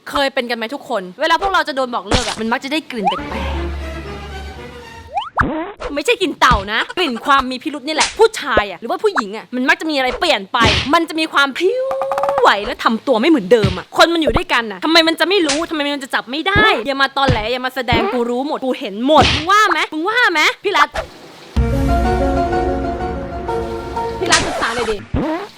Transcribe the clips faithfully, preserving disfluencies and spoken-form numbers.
เคยเป็นกันไหมทุกคนเวลาพวกเราจะโดนบอกเลิกอะมันมักจะได้กลิ่นแปลกๆไม่ใช่กลิ่นเต่านะกลิ่นความมีพิรุธนี่แหละผู้ชายอะหรือว่าผู้หญิงอะมันมักจะมีอะไรเปลี่ยนไปมันจะมีความพิ้วไหวและทำตัวไม่เหมือนเดิมอะคนมันอยู่ด้วยกันอะทำไมมันจะไม่รู้ทำไมมันจะจับไม่ได้อย่ามาตอนแหลอย่ามาแสดงกูรู้หมดกูเห็นหมดมึงว่าไหมมึงว่าไหมพี่รัตพี่รัตศึกษาเลยดิ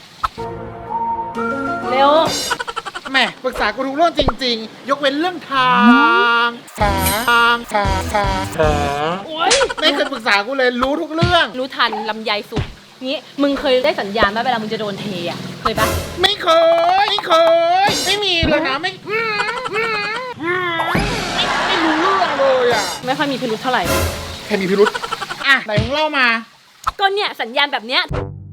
เร็วแม่ปรึกษากูทุกเรื่องจริงๆยกเว้นเรื่องทางทางทางทางทางโอ๊ยไม่เคยปรึกษากูเลยรู้ทุกเรื่องรู้ทันลำไยสุดงี้มึงเคยได้สัญญาณไหมเวลามึงจะโดนเทอ่ะเคยปะไม่เคยไม่เคยไม่มีเลยนะไม่ไม่ไม่รู้เรื่องเลยอ่ะไม่ค่อยมีพิรุธเท่าไหร่แค่มีพิรุธอ่ะไหนมึงเล่ามาก็เนี่ยสัญญาณแบบเนี้ย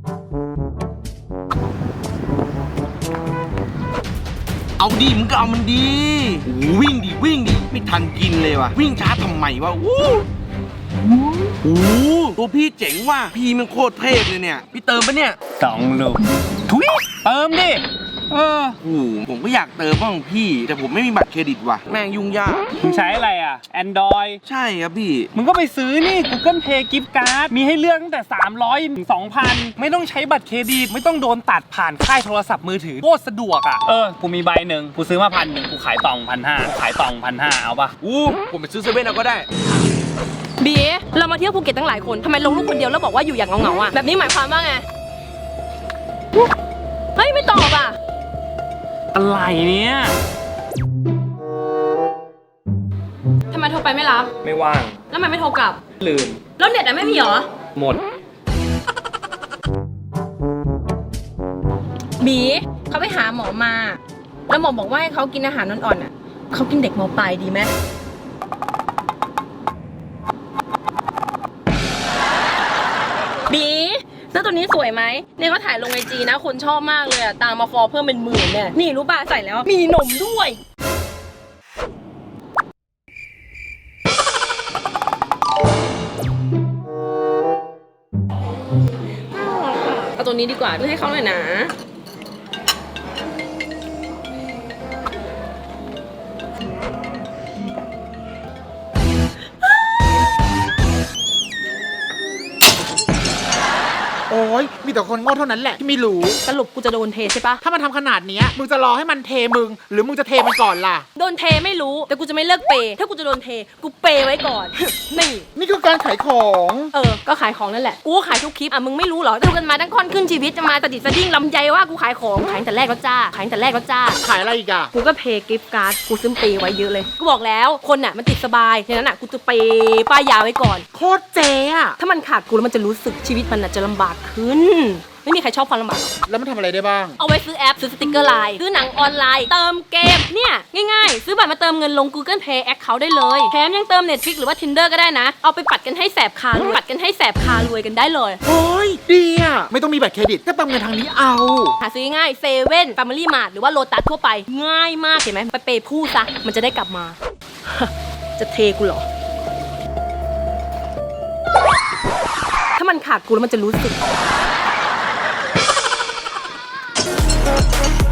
เอาดิมึงก็เอามันดีวิ่งดิวิ่งดิไม่ทันกินเลยว่ะวิ่งช้าทำไมวะอู้โอ้ตัวพี่เจ๋งว่ะพี่มันโคตรเทพเลยเนี่ยพี่เติมปะเนี่ยสองลูกทุยเติมดิเออโอ้ผมก็อยากเติมบ้างพี่แต่ผมไม่มีบัตรเครดิตว่ะแม่งยุ่งยากมึงใช้อะไรอ่ะ Android ใช่ครับพี่มึงก็ไปซื้อนี่ Google Play Gift Card มีให้เลือกตั้งแต่สามร้อยถึง สองพัน ไม่ต้องใช้บัตรเครดิตไม่ต้องโดนตัดผ่านค่ายโทรศัพท์มือถือโคตรสะดวกอ่ะเออกูมีใบหนึ่งกูซื้อมาพันหนึ่งกูขายต่องพันห้าขายต่องพันห้าเอาปะอู้ผมไปซื้อเซเว่นเอาก็ได้บีเรามาเที่ยวภูเก็ตตั้งหลายคนทำไมลงรูปคนเดียวแล้วบอกว่าอยู่อย่างเงาๆอ่ะแบบนี้หมายความว่าไงเฮ้ยไม่ตอบอ่ะอะไรเนี่ยทำไมโทรไปไม่รับไม่ว่างแล้วทำไมไม่โทรกลับลืมแล้วเน็ตอะไม่มีเหรอหมดบีเขาไปหาหมอมาแล้วหมอบอกว่าให้เขากินอาหารอ่อนๆอ่ะเขากินเด็กม.ปลายดีไหมบีเสื้อตัวนี้สวยไหมเนี่ยเขาถ่ายลงไอจีนะคนชอบมากเลยอะตามมาฟอลเพิ่มเป็นหมื่นเนี่ยนี่รู้ป่ะใส่แล้วมีนมด้วยเอาตัวนี้ดีกว่าด้วยให้เขาหน่อยนะโอ้ยมีแต่คนโง่เท่านั้นแหละที่ไม่รู้สรุปกูจะโดนเทใช่ปะถ้ามันทำขนาดนี้มึงจะรอให้มันเทมึงหรือมึงจะเทมันก่อนล่ะโดนเทไม่รู้แต่กูจะไม่เลิกเปย์ถ้ากูจะโดนเทกูเปย์ไว้ก่อน นี่นี่คือการขายของเออก็ขายของนั่นแหละกูขายทุกคลิปอ่ะมึงไม่รู้เหรอดูกันมาตั้งค่อนขึ้นชีวิตจะมาตะดิดสะดิ้งลำใจว่ากูขายของขายแต่แรกแล้วจ้าขายแต่แรกแล้วจ้าขายอะไรอีกอะกูก็เพย์กิฟต์การ์ดกูซื้อเปย์ไว้เยอะเลยกูบอกแล้วคนน่ะมันติดสบายฉะนั้นอ่ะกูจะเปย์ป้ายยาไว้ก่อนโคตรเจ๊อะถ้ามันขาดกูแล้วมันจะรู้สึกชีวิตมันอ่ะจะลำบากขึ้นไม่มีใครชอบความลำบากแล้วมันทำอะไรได้บ้างเอาไว้ซื้อแอปซื้อสติกเกอร์ไลน์ซื้อหนังออนไลน์เติมเกมเนี่ยง่ายๆซื้อบัตรมาเติมเงินลง Google Play Account ได้เลยแถมยังเติม Netflix หรือว่า Tinder ก็ได้นะเอาไปปัดกันให้แสบคารวยปัดกันให้แสบคารวยกันได้เลยโอ้ยดีอะไม่ต้องมีบัตรเครดิตก็เติมเงินทางนี้เอาหาซื้อง่ายเซเว่นแฟมิลี่มาร์ทหรือว่าโลตัสทั่วไปง่ายมากเห็นไหมไปเปย์ผู้ซะมันจะได้กลับมา จะเทกูเหรอถ้ามันขาดกูแล้วมันจะรู้สึก